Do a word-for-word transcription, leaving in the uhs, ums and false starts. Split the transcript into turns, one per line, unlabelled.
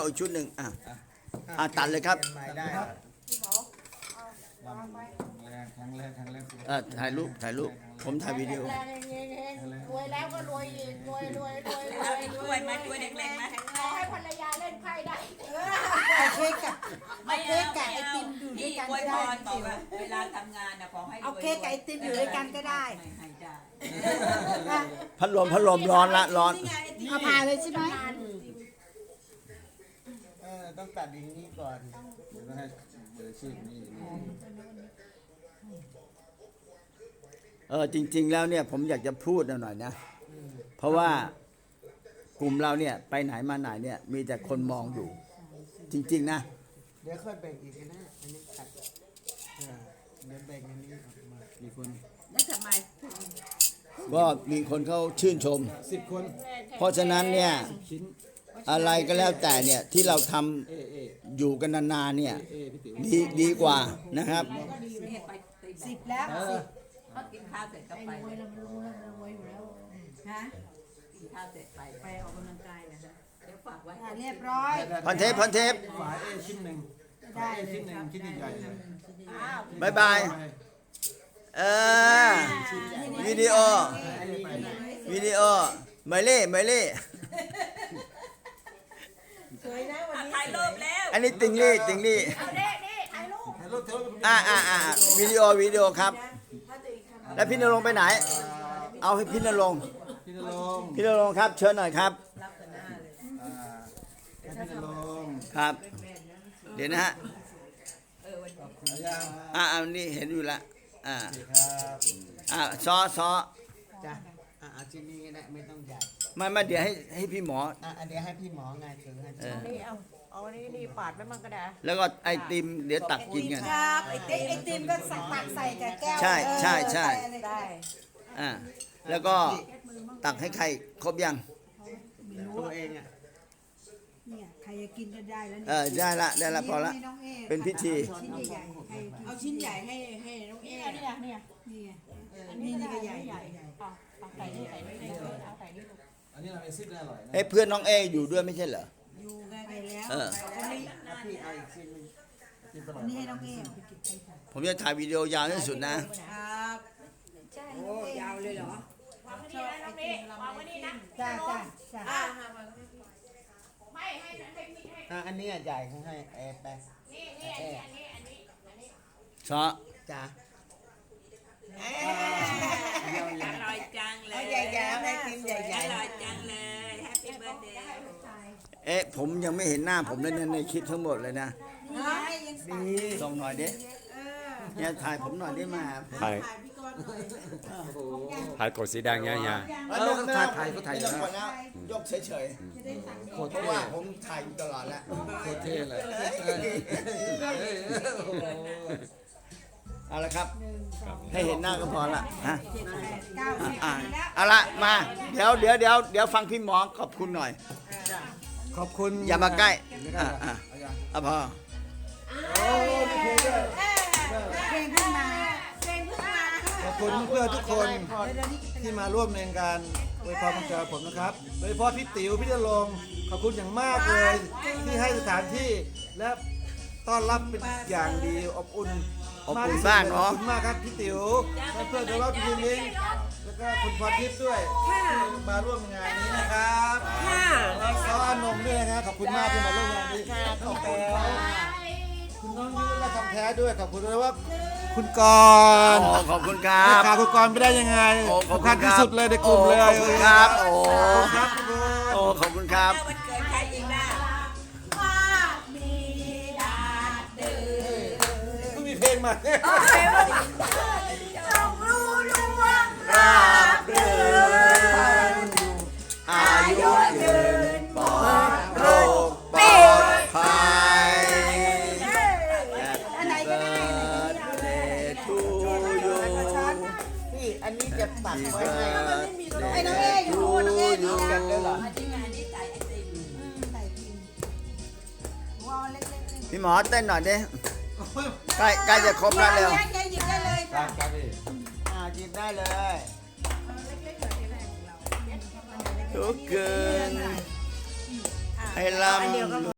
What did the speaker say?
อีกชุดหนึ่งอ่ะอ่ะตัดเลยครับ
ได้ครับแรกครั้งแรกครั้งแรก
เออถ่ายรูปถ่ายรูปผมถ่ายวิดีโอ
รวยแล้วก็รวยอีกรวยรวยรวยรวย
ช่วยไหมช่วยเด็กๆไหม
ขอให้ภรรยาเล่นไพ่ได้
เอาเค้กกับ
ไม่
เอา
เอา
เค้กกับไอติมอยู่ด้วยกัน
อวย
ก็
พ
ได้
รบอกว่าเวลาทำงานนะขอให้
เอาเค้กกับไอติมอยู่ด้วยกันก็ได้
ไม่ให้ได้
พัดลมพัดลมร้อนละร้อน
เอาผ่าเลยใช่ไหม
เออต้องตัดอย่างนี้ก่อนเดี๋ยวให้เบอร์ชื่อนี่
เออจริง ๆ แล้วเนี่ยผมอยากจะพูดหน่อยนะเพราะว่ากลุ่มเราเนี่ยไปไหนมาไหนเนี่ยมีแต่คนมองอยู่ จริง ๆ นะ
เดี๋ยวค่อยแบ่งอีกนะอันนี้ตัดเออเดี๋ยวแบ่งอันนี้ออกมากี่คน
แล้วทำไม
ก็มีคนเขาชื่นชม
สิบคน
เพราะฉะนั้นเนี่ย
ชิ้น
อะไรก็แล้วแต่เนี่ยที่เราทำ
เอเอ
อยู่กันนานๆเนี่ย
เอพี่ติ๋ว
ดีดีกว่านะครับ
นี่ไปตี
สิบแล้ว
เอ
สิ
อบ
เขากินข้าวเสร็จก็ไป
รวยแล้วมันรวยแล้วมันรวยอยู่แล้ว
ฮะ
กินข้าวเสร็จไปไปออกกำลังกายนะคะเดี๋ยวฝากไว้
อ่ะเรียบร้อย
พันเทปพันเทป
ฝาเอชิ้นหนึ่งฝาเอชิ้นหนึ่งชิ้นใหญ่ๆเลย
บายบายเออวิดีโอวิดีโอเมเล่เมเล่
สวยนะวันนี้
ถ่ายรูปแล้ว
อันนี้ติงลี่ติงลี่
เอาเด็กนี่ถ่ายรูป
ถ่ายรูปเถอะ
อ่าอ่าอ่าวิดีโอวิดีโอครับ แล้วพี่นรงค์ไปไหน เอาให้พี่นรงค์
พี่นรงค์
พี่นรงค์ครับเชิญหน่อยครับ
อ่าให้พี่นรงค์
ครับ เดี๋ยวนะฮะ
เอายัง
อ่าอันนี้เห็นอยู่ละอ่า
ครับ
อ่าซอซอ
จ้ะอ่าเอาชิ้นนี้ก็ได้ไม่ต้องใหญ่
ไม่ไม่เดี๋ยวให้ให้พี่หมอ
อ่าเดี๋ยวให้พี่หมอไงถือให้
เออ
นี่เอาเอาอันนี้นี่ปาดไว้มั่งก็ได้
แล้วก็ไอติมเดี๋ยวตักกินกัน
ครับไอติมไอติมก็ใส่ตักใส่กับแก้ว
ใช่ใช่ใช่
เอออะไรก็ได้
อ่าแล้วก็ตักให้ใครครบยัง
ตัวเองอ่ะ
เนี่ยใครจะกินก็ได้แล้ว
เออได้ละได้ละพอละ
ให้น้องอ
เป็นพิธี
ชิ้นใหญ่ๆใครกิน
เอาชิ้นใหญ่ให้ให้น้องเอ๋
เนี่ยเนี่ยเนี่ย
นี่ไงนี่นี่ก็ใหญ่ใหญ่
เอาเอาใส่นี่ใส่นี่เอาใส่นี่
อันนี้เราเป็นซิปได้อร่อยนะ
เอ้ยเพื่อนน้องเออยู่ด้วยไม่ใช่เหรอ
อยู่กันไปแล้ว
เออ
ไปแล้ว
พี่เอาอีกชิ้นหนึงชิ้นอร่อย
นี่ให้น้องเอ๋
ผมจะถ่ายวิดีโอยาวที่สุดนะ
ครับ
โอ้ยาวเลยเหรอ
วางไว้นี่นะน้องนี่วางไว้นี่นะ
จ้าจ้าจ้า
อ่า
ไม่ให้ให้มีให้
อ่ะอันนี้อ่ะใหญ่เขาให้แอร์แปะ
นี่นี่อันนี้อันนี้อันนี้อันนี้
ซอ
จ้ะ
อร่อยจังเลย
ใหญ่ๆให้กินใหญ่
อร่อยจังเลยแฮปปี้เบิร์ดเดย์
เอ๊ะผมยังไม่เห็นหน้าผมเลยเนี่ยในคลิปทั้งหมดเลยนะ
ๆนี่ไงยังสั่ง
ส่งหน่อยดิ
เออ
เนี่ยถ่ายผมหน่อยได้มา
ถ่าย
ถ่ายพี่กรณ์หน่อย
ถ่ายกดสีแดงเงี้ยเฮีย
เออถ่ายถ่ายก็ถ่ายแล้วยกเฉย
จะได้สั่ง
ๆเพราะว่าผมถ่ายอยู่ตลอดแล้ว
โคตรเท่เลย
เอาละครับ ให้เห็นหน้าก็พอละฮะ
เก้าสิบ
อ่า
แล้ว
เอาละมาเดี๋ยวเดี๋ยวเดี๋ยวเดี๋ยวฟังพี่หมอขอบคุณหน่อย
ขอบคุณ
อย่ามาใกล้
ไม่ได้
อ่า
หรอก
อ่า
เอายัง
อ่ะพอ
โอ้มีเพลงด้วย
เพลงขึ้นมาเพลงขึ้นมา
ขอบคุณเพื่อนๆทุกคนที่มาร่วมในการอวยพรวันเกิดผมนะครับ โดยเฉพาะพี่ติ๋วพี่ณรงค์ขอบคุณอย่างมากเลย ที่ให้สถานที่และต้อนรับเป็นอย่างดีอบอุ่น
อบอุ่นบ้านเนาะ
ขอบคุณมากครับพี่ติ๋วและเพื่อนโดยเฉพาะพี่ลิงแล้วก็คุณพรทิพย์ด้วยที่มาร่วมงานนี้นะครับแล้วก็อานงด้วยนะขอบคุณมากที่มาร่วมงานนี้ขอบคุณคุณน้องยุ้ยและคำแท้ด้วยขอบคุณด้วยว่าคุณกรณ์
โอ้ขอบคุณครั
ไม่
บ
ขาดคุณกรณ์ไม่ได้ยังไง
โอ้ขอบ
สำ
คุ
คั
ณ
ญ
ค
ที่
รับ
สุดเลยในกลุ่มเลย
โอ้ขอบคุณครับโอ้
ขอบคุณครับทุกคน
โอ้ขอบคุณครับ
วันเกิดใครอีกล่ะ
เพิ่งมีเพลงมา
ต้องรู้ล่วง
ราบรื่นอายุยืนปลอดโรคปลอดภัย
อันไหนก็ได้
เดทูยู
พี่อันนี้จะตัดไว้ให้
ไอ้น้องเออยู่นู่นน้องเออยู่
กันได้เหรอ
อันนี้งานนี้ใส่ไอติม
ใส่กินวอลเล็กๆเลย
พี่หมอเต้นหน่อยดิใกล้ใกล้จะครบแล้วเร็ว
ยายหยิบได้เลย
ครั
ค่ะ
บครับพี่
อ่าหยิบได้เลย ทุกคืนให้ลำ